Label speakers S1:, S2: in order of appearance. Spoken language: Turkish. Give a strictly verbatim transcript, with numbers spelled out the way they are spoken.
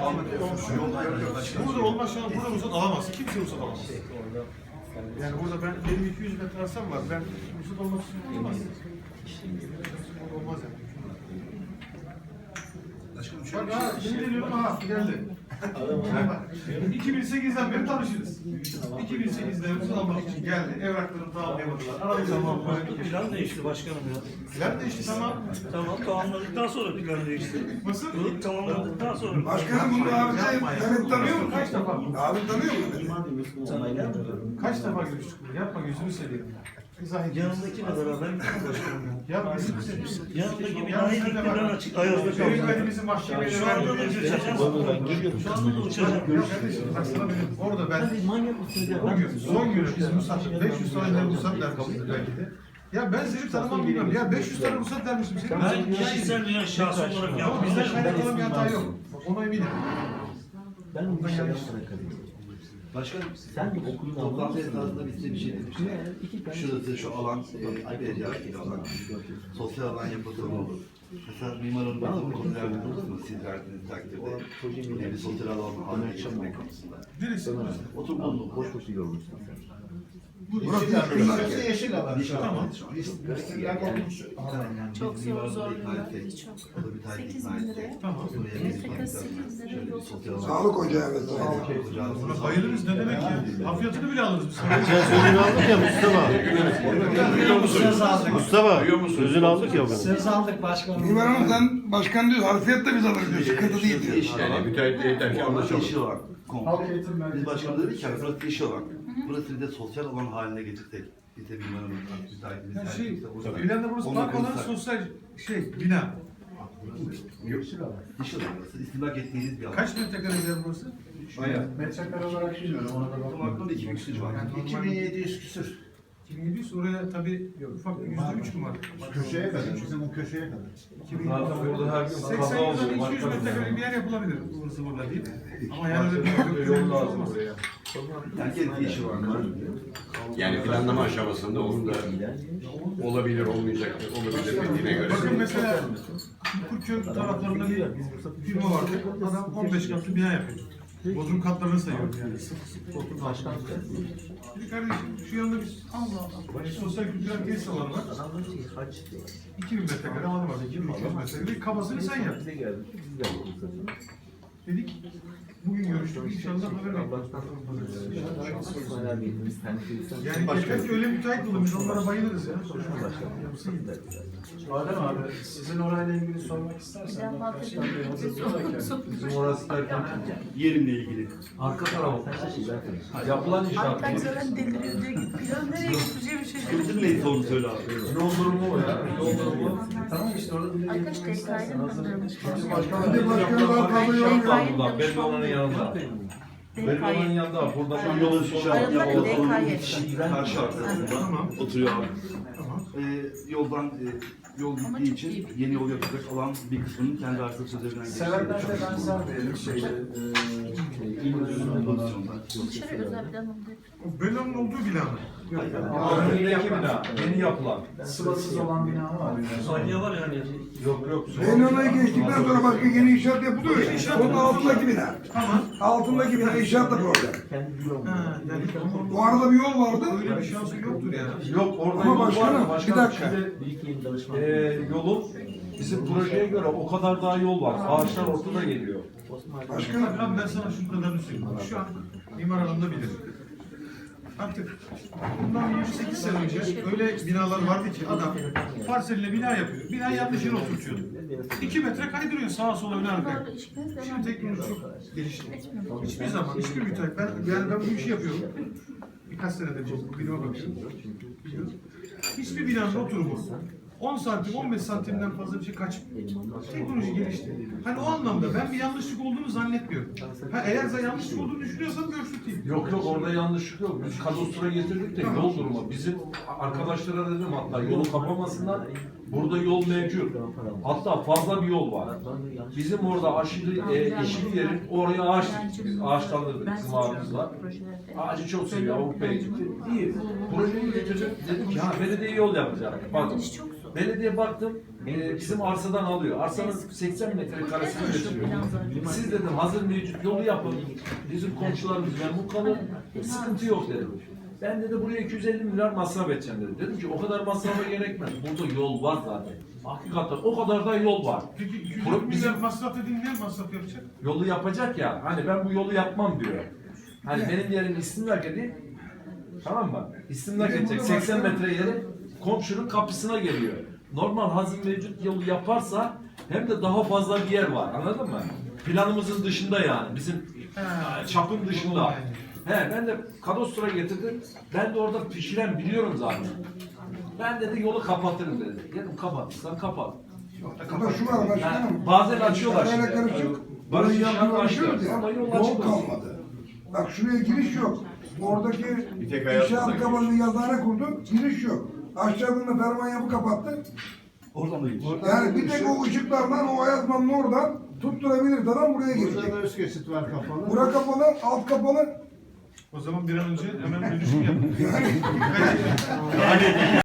S1: Burada olmaz şu an, burada ruhsat alamaz. Kimse ruhsat alamaz. Yani burada ben, benim iki yüz metre arsam var. Ben ruhsat olmak için olmaz. Olmaz yani. Bak ha, şimdi geliyorum ha, geldi. iki bin sekizden beri tanışırız. iki bin sekizde ruhsat almak için geldi. Evraklarını tamamlayamadılar. Aradık zaman böyle.
S2: Plan değişti başkanım ya.
S1: Plan değişti tamam.
S2: Tamam, tamamladıktan sonra plan değişti.
S1: Nasıl?
S2: Bunu tamamladıktan sonra.
S3: Başkanım bunu abi de Mehmet tanıyor mu?
S1: Kaç defa?
S3: Abi tanıyor mu?
S1: Kaç defa görüştük bunu? Yapma gözünü seveyim. İzah et.
S2: Yanımdakiyle beraber gittim başkanım ya.
S1: Yapma gözünü seveyim.
S2: Yanımdaki binayı dikti, ben açık ayazda kaldım.
S1: Yönetmenimizi mahkemeye
S2: Şu anda da
S1: verdik.
S2: uçacağım. Şu anda da uçacağım.
S1: Baksana benim orada ben bugün son günü biz ruhsat beş yüz tane ruhsat der kapıda belki de. Ya ben seni tanımam bilmiyorum. Ya beş yüz tane ruhsat dermişim seni.
S2: Ben kişisel veya şahsi olarak
S1: Ama
S2: yaptım.
S1: bizden kaynaklanan bir hata yok. Ona eminim.
S4: Ben onu şey yapmaya kalayım.
S5: Başkanım,
S4: Sen bir okulun
S5: toplantı esnasında biz size bir şey demiştik.
S4: iki tane
S5: Şurası, şu alan, e, vereceği alan, sosyal alan yapılsa ne olur? Mesela mimar hanım bazı konular bulursunuz, siz verdiğiniz takdirde. Yine bir sosyal alan haline getirmek konusunda.
S1: Neresi?
S5: Otur bulunduk.
S4: boş boş yorulmuşsun sen.
S1: Burası
S6: Burası yeşil alan.
S1: Tamam.
S6: Çok zor zorluyorlar. Çok.
S5: O da bir tane
S6: sekiz
S5: ikna
S6: bin
S5: edecek.
S6: liraya.
S1: Tamam.
S5: Buraya
S6: Evet,
S5: bir
S6: tekrar sekiz bin liraya
S5: şöyle bir
S6: yol
S5: sosyal alan.
S3: Sağlık ocağı vesaire.
S1: Buna bayılırız ne demek ya? Hafiyatını bile alırız biz.
S7: Sözünü aldık ya Mustafa. Mustafa, sözünü aldık ya.
S6: Söz aldık başkanım.
S3: Mimar Hanım sen başkan diyor, harfiyat da biz alırız diyor, sıkıntı değil diyor.
S5: Yani müteahhit yeter ki anlaşalım. Yeşil alan.
S1: Halk eğitim
S5: Biz
S1: merkezi.
S5: başkanım dedik ki yani burası yeşil alan. Burası bir de sosyal alan haline getirsek. Biz de mimar hanım müteahhitimiz.
S1: Yani şey,
S5: herkese burada-
S1: İlhan'da burası
S5: Onu
S1: park olan
S5: kırsak.
S1: sosyal şey, bina.
S5: Yeşil alan burası. İstilak ettiğiniz bir alan.
S1: Kaç metrekare yer burası?
S5: Bayağı.
S1: Metrekare olarak bilmiyorum. Ona da
S5: Tam aklımda iki bin küsur civarı.
S1: iki bin yedi yüz küsür. iki bin yedi yüz oraya tabii ufak yüzde üç mü var?
S6: Köşeye kadar. Bizim o köşeye kadar.
S1: Zaten burada her gün seksen yıldan iki yüz metrekare bir yer yapılabilir. Burası burada değil. Ama yani öyle bir yol lazım buraya.
S5: Herkes yeşil alan var.
S8: Yani planlama aşamasında onun da olabilir, olmayacak, olabilir dediğine göre.
S1: Bakın mesela Kurköy taraflarında bir firma vardı. Adam on beş katlı bina yapıyor. Bodrum katlarını sayıyorum yani. Sık sık Bodrum başkan. Bir kardeşim şu yanda bir Allah Allah. Sosyal kültürel tesis alanı var. iki bin metrekare alanı var. iki bin iki yüz metrekare. Kabasını sen yap.
S4: Bize geldik. Biz de yapalım.
S1: Dedik. Bugün görüştük. İnşallah haber bekliyoruz. Yani yeter ki öyle müteahhit bulun. Biz onlara bayılırız ya.
S6: Adem abi, sizin orayla ilgili sormak istersen.
S7: Bizim orası derken
S5: Yerimle ilgili.
S7: arka tarafı. Yapılan inşaat.
S6: Hatta zaten deliriyor diyor ki plan nereye gideceğim şaşırdım.
S5: Sıkıntı neyse onu söyle abi.
S7: Yol durumu o ya. Yol durumu.
S6: Tamam işte orada
S9: Arkadaş D K'yı mı kaldırmış?
S3: Hadi başkanım daha fazla yorum yok.
S7: Buradan belli olanın yanında. Belli olanın yanında. Burada şu yolun şişe
S9: Ayrılan
S7: yapıyor.
S9: D K'yı.
S5: Karşı arkasında oturuyor abi. Ee, yoldan e, yol
S9: Ama
S5: gittiği
S9: çok
S5: için
S9: iyi.
S5: yeni yol yapacak olan bir kısmının kendi arsası üzerinden
S6: Severden de benzer diyelim şeyde.
S9: Dışarı özel plan oldu.
S1: O Bella'nın olduğu bina mı?
S7: Önündeki bina. Yeni yapılan.
S6: Sıvasız olan bina var.
S2: Saniye var yani.
S7: Yok yok.
S3: Beynona'yı geçtikten sonra başka yeni inşaat yapılıyor ya. Onun altındaki bina.
S1: Tamam.
S3: Altındaki bina inşaat da problem.
S4: Kendi bloğum.
S1: Ha, yani
S3: Bu arada bir yol vardı.
S1: öyle bir şansı yoktur ya.
S7: Yok orada
S3: Ama
S7: yol var
S3: başkanım,
S7: mı?
S3: bir
S7: Başkanım
S3: dakika.
S7: şimdi
S4: Büyük yeni danışman.
S7: e, yolun bizim projeye göre o kadar daha yol var. Ağaçlar ortada geliyor.
S3: Başkanım.
S1: Abi ben sana şu kadarını söyleyeyim. Şu an mimar hanım da bilir. Artık bundan yirmi sekiz sene önce öyle binalar vardı ki adam parseline bina yapıyor. Bina yanlış yere oturtuyordu. iki metre kaydırıyor sağa sola öne arkaya. Şimdi teknoloji çok gelişti. Hiçbir zaman hiçbir müteahhit, ben, yani ben bu işi yapıyorum. Birkaç senedir bu binama bakıyorum. Hiçbir binanın oturumu on santim, on beş santimden fazla bir şey kaçmıyor. Teknoloji gelişti. Hani o anlamda ben bir yanlışlık olduğunu zannetmiyorum. Ha, eğer sen yanlışlık olduğunu düşünüyorsan görüştük.
S7: Yok yok orada yanlışlık yok. Biz kadastroya getirdik de yol durumu. Bizim arkadaşlara dedim hatta yolu kapamasınlar. Burada yol mevcut. Hatta fazla bir yol var. Bizim orada aşırı e, yeşil yerin oraya ağaç diktik biz. Ağaçlandırdık bizim abimizle. Ağacı çok seviyor Avrupa'ya gitti. İyi. Projeyi getirdik. Dedim ki ha belediye yol yapacak. Bak Belediye baktım e, bizim arsadan alıyor. Arsanın seksen metrekaresini getiriyor. Siz dedim hazır mevcut yolu yapın. Bizim komşularımız memnun kalır. Sıkıntı yok dedim. Ben dedi buraya iki yüz elli milyar masraf edeceğim dedim. Dedim ki o kadar masrafa gerekmez. Burada yol var zaten. Hakikaten o kadar da yol var.
S1: Peki iki yüz
S7: Pro-
S1: elli
S7: bizim-
S1: milyar masraf dediğin ne masraf yapacak?
S7: Yolu yapacak ya. Hani ben bu yolu yapmam diyor. Hani benim yerim İstimlak edeyim. Tamam mı? İstimlak edecek. seksen metre yeri komşunun kapısına geliyor. Normal hazır mevcut yolu yaparsa hem de daha fazla bir yer var. Anladın mı? Planımızın dışında yani. Bizim e, çapın dışında. He, ben de kadastro getirdim. Ben de orada pişiren biliyorum zaten. Ben dedi yolu kapatırım dedi. Dedim kapatırsan kapat.
S3: Burada şu var başkanım.
S7: Yani bazen açıyorlar
S3: Parayla
S7: şimdi.
S3: karışık.
S7: Barış
S3: Burayı
S7: İnşaat
S3: yapmaya
S7: başlıyor.
S3: başlıyoruz ya.
S7: Ama yol
S3: Yol
S7: açık olsun.
S3: kalmadı. Bak şuraya giriş yok. Oradaki
S8: Bir tek hayatımıza
S3: inşaat
S8: giriş.
S3: kapanını yazıhane kurduk. Giriş yok. Aşağıda ferman yapı kapattı.
S5: Oradan da gidiyor.
S3: Yani bir tek o ışıklardan o Ayazman'ın oradan tutturabilir adam buraya
S10: Burada
S3: girecek.
S10: da üst geçit var kapalı.
S3: Bura kapalı, alt kapalı.
S1: O zaman bir an önce hemen dönüşüm yapın.
S3: Yani